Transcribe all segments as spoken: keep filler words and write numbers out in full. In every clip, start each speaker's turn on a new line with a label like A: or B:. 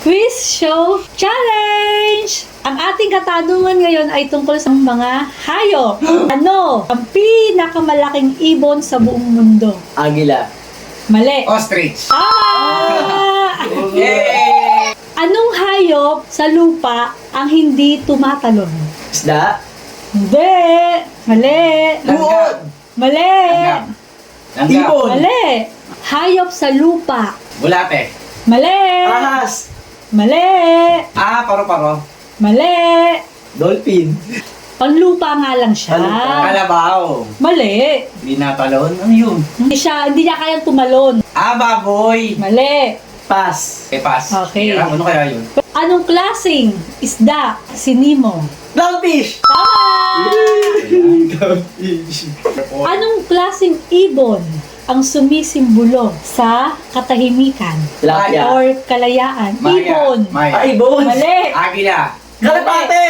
A: Quiz Show Challenge! Ang ating katanungan ngayon ay tungkol sa mga hayop. Ano ang pinakamalaking ibon sa buong mundo?
B: Agila.
A: Mali.
C: Ostrich.
A: Ah!
C: Yay!
A: Anong hayop sa lupa ang hindi tumatalon?
B: Isda.
A: Hindi. Mali.
B: Buod.
A: Mali.
C: Langgam. Langgam.
B: Ibon.
A: Mali. Hayop sa lupa.
C: Bulate.
A: Mali.
B: Ahas.
A: Mali.
C: Ah, paro-paro.
A: Mali.
B: Dolphin.
A: Panlupa nga lang siya.
B: Panlupa.
C: Kalabaw.
A: Mali.
C: Hindi natalon. Ano yun?
A: Hindi siya, hindi niya kayang tumalon.
C: Ah, baboy.
A: Mali.
B: Pass.
C: Okay, pass.
A: Okay.
C: Hirap. Ano kaya yun?
A: Anong klaseng isda si Nemo?
B: Clownfish.
A: Tama!
B: Clownfish.
A: Anong klaseng ibon ang sumisimbolo sa katahimikan
B: Tilapia.
A: or kalayaan?
C: Maya.
A: Ibon.
C: Maya.
B: Ah, ibon.
A: Mali.
C: Agila.
B: Kalapate.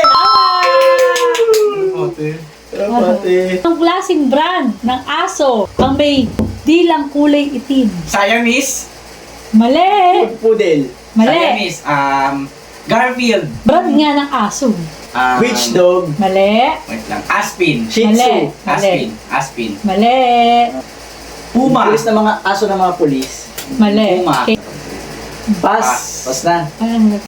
C: Ote.
B: Kalapate.
A: Anong klaseng brand ng aso ang may dilang kulay itim?
C: Siamese.
A: Mali.
B: Pudel.
A: Mali.
C: Siamese. Um, Garfield.
A: Brand nga ng aso.
C: Um,
B: Witch dog.
A: Mali.
C: Wait lang. Aspin.
B: Shih
A: Mali.
B: Tzu.
A: Mali.
C: Aspin. Aspin.
A: Mali.
C: Puma.
B: Pulis ng mga aso ng mga pulis.
A: Mali.
C: Puma.
A: Okay.
B: Pass.
C: Pass.
B: Pass na.
A: Parang